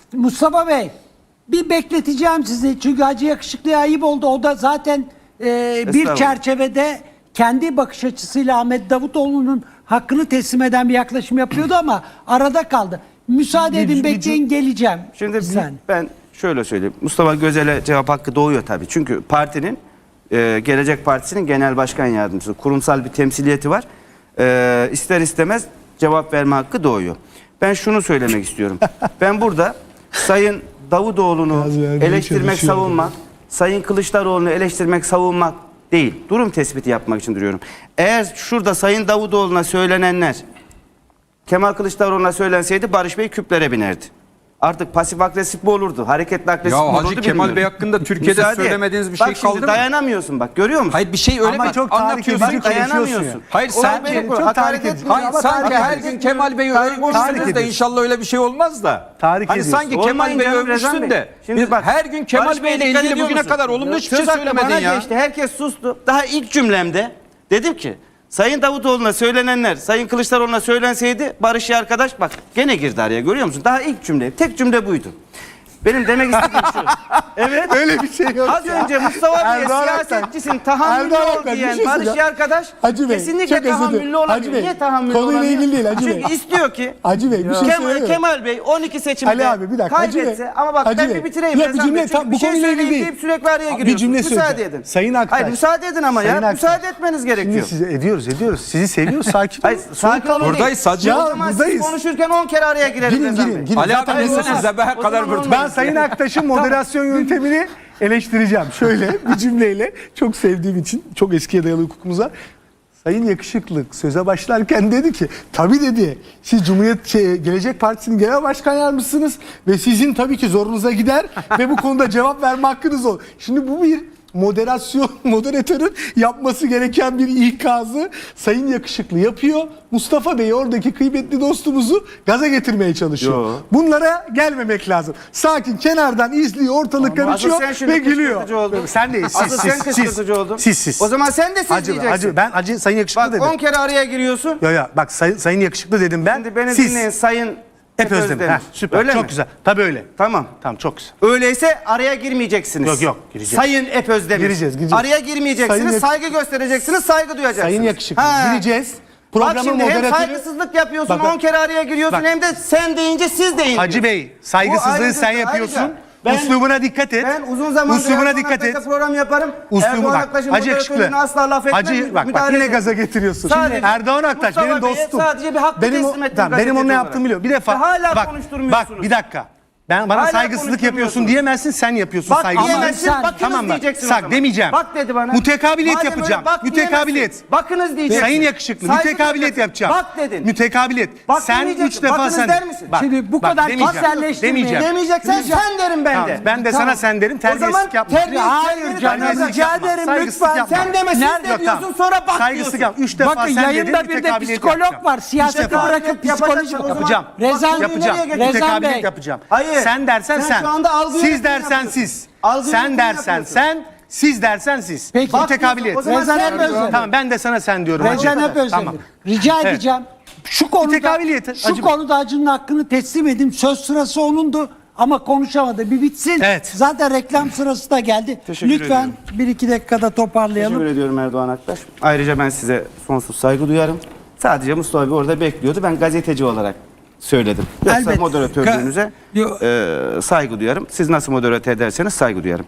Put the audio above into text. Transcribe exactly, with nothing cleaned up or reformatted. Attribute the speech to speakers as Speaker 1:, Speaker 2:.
Speaker 1: Mustafa Bey, bir bekleteceğim sizi. Çünkü Hacı Yakışıklı'ya ayıp oldu. O da zaten e, bir çerçevede kendi bakış açısıyla Ahmet Davutoğlu'nun hakkını teslim eden bir yaklaşım yapıyordu ama arada kaldı. Müsaade edin, bekleyin, geleceğim.
Speaker 2: Şimdi
Speaker 1: Sen.
Speaker 2: ben şöyle söyleyeyim. Mustafa Gözel'e cevap hakkı doğuyor tabii. Çünkü partinin, e, Gelecek Partisi'nin genel başkan yardımcısı. Kurumsal bir temsiliyeti var. E, ister istemez cevap verme hakkı doğuyor. Ben şunu söylemek istiyorum. Ben burada Sayın Davutoğlu'nu eleştirmek, savunmak, Sayın Kılıçdaroğlu'nu eleştirmek, savunmak değil. Durum tespiti yapmak için duruyorum. Eğer şurada Sayın Davutoğlu'na söylenenler Kemal Kılıçdaroğlu'na söylenseydi Barış Bey küplere binerdi. Artık pasif agresif mi olurdu? Hareketli agresif mi
Speaker 3: Ya
Speaker 2: olurdu?
Speaker 3: Hacı Kemal Bey hakkında Türkiye'de
Speaker 2: Müsaade.
Speaker 3: söylemediğiniz bir
Speaker 2: Bak
Speaker 3: şey
Speaker 2: şimdi
Speaker 3: kaldı mı?
Speaker 2: dayanamıyorsun bak, görüyor musun?
Speaker 3: Hayır, bir şey öyle
Speaker 4: Ama
Speaker 3: mi
Speaker 4: çok tahrik edici
Speaker 3: anlatıyorsun?
Speaker 2: Dayanamıyorsun.
Speaker 3: Hayır,
Speaker 2: Olay
Speaker 3: sanki
Speaker 2: benim,
Speaker 4: çok
Speaker 2: hakaret
Speaker 4: tahrik edici.
Speaker 2: etmiyorum
Speaker 3: Hayır,
Speaker 2: ama
Speaker 3: sanki
Speaker 2: tahrik
Speaker 3: her
Speaker 2: ediyorsun.
Speaker 3: gün Kemal Bey'i
Speaker 2: Tahrik
Speaker 3: övmüşsünüz de
Speaker 4: ediyorsun.
Speaker 3: inşallah öyle bir şey olmaz da.
Speaker 4: Tahrik
Speaker 3: hani
Speaker 4: ediyorsun.
Speaker 3: sanki
Speaker 2: Olmayın
Speaker 3: Kemal Bey'i
Speaker 2: canım, Rezan
Speaker 3: övmüşsün
Speaker 2: Bey.
Speaker 3: de.
Speaker 2: Şimdi
Speaker 3: Biz
Speaker 2: bak,
Speaker 3: her gün Kemal
Speaker 2: Barış
Speaker 3: Bey'le
Speaker 2: Bey, dikkat
Speaker 3: ilgili
Speaker 2: ediyor
Speaker 3: bugüne
Speaker 2: musun?
Speaker 3: kadar olumlu hiçbir şey
Speaker 2: Söz hakkı
Speaker 3: söylemedin
Speaker 2: bana
Speaker 3: ya.
Speaker 2: geçti, herkes sustu. Daha ilk cümlemde dedim ki Sayın Davutoğlu'na söylenenler Sayın Kılıçdaroğlu'na söylenseydi Barış ya arkadaş, bak gene girdi araya, görüyor musun? Daha ilk cümle, tek cümle buydu. Benim demek istediğim şu. Evet.
Speaker 4: Öyle bir şey yok.
Speaker 2: Az
Speaker 4: ya.
Speaker 2: önce Mustafa Bey'e
Speaker 4: Erdoğan Aktaş-
Speaker 2: siyasetçisin, tahammüllü
Speaker 4: Erdoğan
Speaker 2: ol
Speaker 4: Aktaş, bir
Speaker 2: diyen
Speaker 4: şey
Speaker 2: Barış
Speaker 4: söyleyeceğim.
Speaker 2: ya arkadaş
Speaker 4: Hacı Bey,
Speaker 2: kesinlikle
Speaker 4: çok özür dilerim.
Speaker 2: tahammüllü
Speaker 4: Hacı
Speaker 2: olamıyor.
Speaker 4: Bey,
Speaker 2: Niye tahammüllü
Speaker 4: konuyla
Speaker 2: olamıyor?
Speaker 4: ilgili değil Hacı
Speaker 2: Çünkü
Speaker 4: Bey.
Speaker 2: istiyor ki
Speaker 4: Hacı Bey bir şey
Speaker 2: Kemal,
Speaker 4: söyleyeyim.
Speaker 2: Kemal Bey on iki seçimde
Speaker 4: Ali abi bir dakika. Hacı
Speaker 2: kaybetse
Speaker 4: Bey,
Speaker 2: ama bak
Speaker 4: Hacı
Speaker 2: ben
Speaker 4: Bey.
Speaker 2: bir bitireyim.
Speaker 4: Ya bir
Speaker 2: Rezan
Speaker 4: cümle
Speaker 2: Bey.
Speaker 4: tam
Speaker 2: Çünkü
Speaker 4: bu
Speaker 2: bir şey
Speaker 4: konuyla ilgili
Speaker 2: söyleyeyim
Speaker 4: değil.
Speaker 2: deyip sürekli araya
Speaker 4: Bir
Speaker 2: giriyorsun.
Speaker 4: cümle
Speaker 2: Müsaade
Speaker 4: söyleyeceğim.
Speaker 2: edin.
Speaker 4: Sayın Aktaş.
Speaker 2: Hayır müsaade edin ama
Speaker 4: Sayın
Speaker 2: ya.
Speaker 4: Aktaş.
Speaker 2: Müsaade etmeniz
Speaker 4: Şimdi
Speaker 2: gerekiyor.
Speaker 4: size ediyoruz ediyoruz. Sizi seviyoruz, sakin
Speaker 2: Hayır
Speaker 4: olun.
Speaker 2: sakin olun.
Speaker 3: Buradayız Hacı.
Speaker 4: Ya,
Speaker 2: O zaman siz
Speaker 4: buradayız.
Speaker 2: konuşurken on kere araya girelim
Speaker 4: Girin
Speaker 2: Rezan
Speaker 4: girin.
Speaker 2: Bey.
Speaker 4: girin.
Speaker 3: Ali
Speaker 4: Zaten
Speaker 3: abi
Speaker 4: olmaz.
Speaker 3: desene Zebehe
Speaker 2: O
Speaker 3: kadar
Speaker 2: zaman
Speaker 3: vurdu.
Speaker 4: Ben Sayın Aktaş'ın moderasyon yöntemini eleştireceğim. Şöyle bir cümleyle, çok sevdiğim için, çok eskiye dayalı hukukumuza. Sayın Yakışıklı söze başlarken dedi ki, tabii dedi, siz Cumhuriyet şey, Gelecek Partisi'nin genel başkan yardımcısınız ve sizin tabii ki zorunuza gider ve bu konuda cevap verme hakkınız olur. Şimdi bu bir moderasyon, moderatörün yapması gereken bir ikazı Sayın Yakışıklı yapıyor. Mustafa Bey, oradaki kıymetli dostumuzu gaza getirmeye çalışıyor.
Speaker 2: Yo.
Speaker 4: Bunlara gelmemek lazım. Sakin, kenardan izliyor, ortalık
Speaker 2: Asıl sen
Speaker 4: karışıyor
Speaker 2: şimdi
Speaker 4: ve gülüyor.
Speaker 2: kışkırtıcı oldun.
Speaker 4: Sen değil, siz,
Speaker 2: Asıl
Speaker 4: siz,
Speaker 2: sen
Speaker 4: siz,
Speaker 2: kışkırtıcı oldun.
Speaker 4: siz, siz.
Speaker 2: O zaman sen de siz
Speaker 4: Acı,
Speaker 2: diyeceksin.
Speaker 4: acı, ben acı, Sayın Yakışıklı
Speaker 2: Bak
Speaker 4: dedim.
Speaker 2: on kere araya giriyorsun.
Speaker 4: Ya ya bak sayın, sayın Yakışıklı dedim ben.
Speaker 2: Şimdi beni
Speaker 4: Siz
Speaker 2: dinleyin Sayın
Speaker 4: hep Özdemir. Heh, süper.
Speaker 2: Öyle
Speaker 4: çok
Speaker 2: mi?
Speaker 4: güzel. Tabii öyle.
Speaker 2: Tamam.
Speaker 4: Tamam, çok güzel.
Speaker 2: Öyleyse araya girmeyeceksiniz.
Speaker 4: Yok, yok, gireceğiz.
Speaker 2: Sayın Ep Özdemir.
Speaker 4: Gireceğiz, gireceğiz.
Speaker 2: Araya girmeyeceksiniz,
Speaker 4: Sayın Yak-
Speaker 2: saygı göstereceksiniz, saygı duyacaksınız.
Speaker 4: Sayın Yakışıklı
Speaker 2: Ha.
Speaker 4: gireceğiz.
Speaker 2: Bak
Speaker 4: Programın
Speaker 2: şimdi hem
Speaker 4: moderatörü
Speaker 2: saygısızlık yapıyorsun,
Speaker 4: Bak, bak.
Speaker 2: on kere araya giriyorsun,
Speaker 4: Bak.
Speaker 2: hem de sen deyince siz deyin.
Speaker 4: Hacı Bey, saygısızlığı
Speaker 2: Bu
Speaker 4: sen
Speaker 2: ayrıca-
Speaker 4: yapıyorsun.
Speaker 2: ayrıca ben-
Speaker 4: Uslubuna dikkat et.
Speaker 2: Ben uzun zamandır
Speaker 4: Uslubuna
Speaker 2: Erdoğan
Speaker 4: dikkat et.
Speaker 2: Aktaş'ta program yaparım.
Speaker 4: Uslubu
Speaker 2: Erdoğan
Speaker 4: bak.
Speaker 2: Aktaş'ın
Speaker 4: Hacı Yakışıklı.
Speaker 2: moderatörlüğüne asla laf etmem.
Speaker 4: Hacı bak bak
Speaker 2: müdahale
Speaker 4: yine
Speaker 2: etmem.
Speaker 4: gaza getiriyorsun.
Speaker 2: Sadece
Speaker 4: Erdoğan Aktaş
Speaker 2: Mustafa
Speaker 4: benim
Speaker 2: Bey'e
Speaker 4: dostum.
Speaker 2: sadece bir hakkı
Speaker 4: benim, o-
Speaker 2: teslim ettim
Speaker 4: tamam, benim onun
Speaker 2: gazeteci
Speaker 4: ne yaptığımı biliyor. Bir defa
Speaker 2: Ve hala
Speaker 4: bak,
Speaker 2: konuşturmuyorsunuz.
Speaker 4: bak bir dakika. Ben bana
Speaker 2: Hala
Speaker 4: saygısızlık yapıyorsun
Speaker 2: konuşturmuyorsunuz.
Speaker 4: diyemezsin, sen yapıyorsun
Speaker 2: Bak
Speaker 4: saygısızlık.
Speaker 2: diyemezsin,
Speaker 1: Sen-
Speaker 2: bakınız
Speaker 4: Tamam mı?
Speaker 2: diyeceksin o
Speaker 4: Sak
Speaker 2: zaman.
Speaker 4: demeyeceğim.
Speaker 2: Bak dedi bana.
Speaker 4: Mütekabiliyet
Speaker 2: Madem öyle
Speaker 4: yapacağım.
Speaker 2: bak
Speaker 4: Mütekabiliyet.
Speaker 2: diyemezsin. Bakınız diyeceksin.
Speaker 4: Sayın Yakışıklı,
Speaker 2: Saygı
Speaker 4: mütekabiliyet
Speaker 2: duyacaksın.
Speaker 4: yapacağım.
Speaker 2: Bak dedin.
Speaker 4: Mütekabiliyet.
Speaker 2: Bak
Speaker 4: sen
Speaker 2: demeyeceksin.
Speaker 4: üç defa
Speaker 2: Bakınız
Speaker 4: sen.
Speaker 2: der misin?
Speaker 4: Bak,
Speaker 1: Şimdi bu
Speaker 4: bak,
Speaker 1: kadar
Speaker 4: demeyeceğim.
Speaker 1: kişiselleştirmeyin.
Speaker 4: Demeyeceğim.
Speaker 2: Demeyeceksen sen derim ben
Speaker 4: Tamam,
Speaker 2: de.
Speaker 4: ben de sana sen derim,
Speaker 2: O zaman
Speaker 4: terbiyesizlik yapma.
Speaker 2: terbiyesiz-
Speaker 1: Hayır
Speaker 2: terbiyesiz
Speaker 1: canım,
Speaker 2: yapma.
Speaker 1: rica ederim
Speaker 4: Saygısızlık
Speaker 1: lütfen.
Speaker 4: yapma.
Speaker 2: Sen deme, siz
Speaker 1: Nerede?
Speaker 2: de
Speaker 4: Yok,
Speaker 2: diyorsun,
Speaker 4: tamam.
Speaker 2: sonra bak
Speaker 4: Saygısızlık
Speaker 2: diyorsun.
Speaker 4: yap. Üç defa
Speaker 1: Bakın
Speaker 4: sen
Speaker 1: yayında
Speaker 4: dedin,
Speaker 1: bir de
Speaker 4: mütekabiliyet
Speaker 1: psikolog
Speaker 4: yapacağım.
Speaker 1: var.
Speaker 4: Üç
Speaker 1: Siyaseti
Speaker 4: defa.
Speaker 1: bırakıp
Speaker 2: Yapacaksın
Speaker 1: psikoloji
Speaker 2: o zaman.
Speaker 4: Yapacağım.
Speaker 1: Rezan
Speaker 2: Bak,
Speaker 4: Yapacağım.
Speaker 2: nereye
Speaker 1: Rezan
Speaker 4: Mütekabiliyet
Speaker 1: Bey.
Speaker 4: yapacağım.
Speaker 2: Hayır.
Speaker 4: Sen dersen
Speaker 2: Sen
Speaker 4: sen.
Speaker 2: şu anda algı
Speaker 4: Siz
Speaker 2: yönetimi
Speaker 4: dersen
Speaker 2: yapıyorsun.
Speaker 4: siz.
Speaker 2: Algı
Speaker 4: Sen
Speaker 2: yönetimi
Speaker 4: dersen
Speaker 2: yapıyorsun.
Speaker 4: sen. Siz dersen siz.
Speaker 1: Peki.
Speaker 2: Bak
Speaker 4: Mütekabiliyet.
Speaker 2: diyorsun, o zaman
Speaker 1: Rezan
Speaker 2: sen
Speaker 1: hep
Speaker 2: diyorsun.
Speaker 1: Özdemir.
Speaker 4: Tamam, ben de sana sen diyorum.
Speaker 1: Rezan
Speaker 4: Hacı.
Speaker 1: hep Özdemir.
Speaker 4: Tamam.
Speaker 1: Rica
Speaker 4: Evet.
Speaker 1: edeceğim. Şu konuda,
Speaker 4: Mütekabiliyet,
Speaker 1: şu
Speaker 4: Hacı-
Speaker 1: konuda Hacı'nın hakkını teslim edin. Söz sırası onundu ama konuşamadı. Bir bitsin.
Speaker 4: Evet.
Speaker 1: Zaten reklam sırası da geldi.
Speaker 2: Teşekkür
Speaker 1: Lütfen
Speaker 2: ediyorum.
Speaker 1: bir iki dakikada toparlayalım.
Speaker 2: Teşekkür ediyorum Erdoğan Aktaş. Ayrıca ben size sonsuz saygı duyarım. Sadece Mustafa Bey orada bekliyordu. Ben gazeteci olarak söyledim. Yoksa
Speaker 1: Elbet.
Speaker 2: moderatörlüğünüze
Speaker 1: Ka- Yo-
Speaker 2: e, saygı duyarım. Siz nasıl moderatör ederseniz saygı duyarım.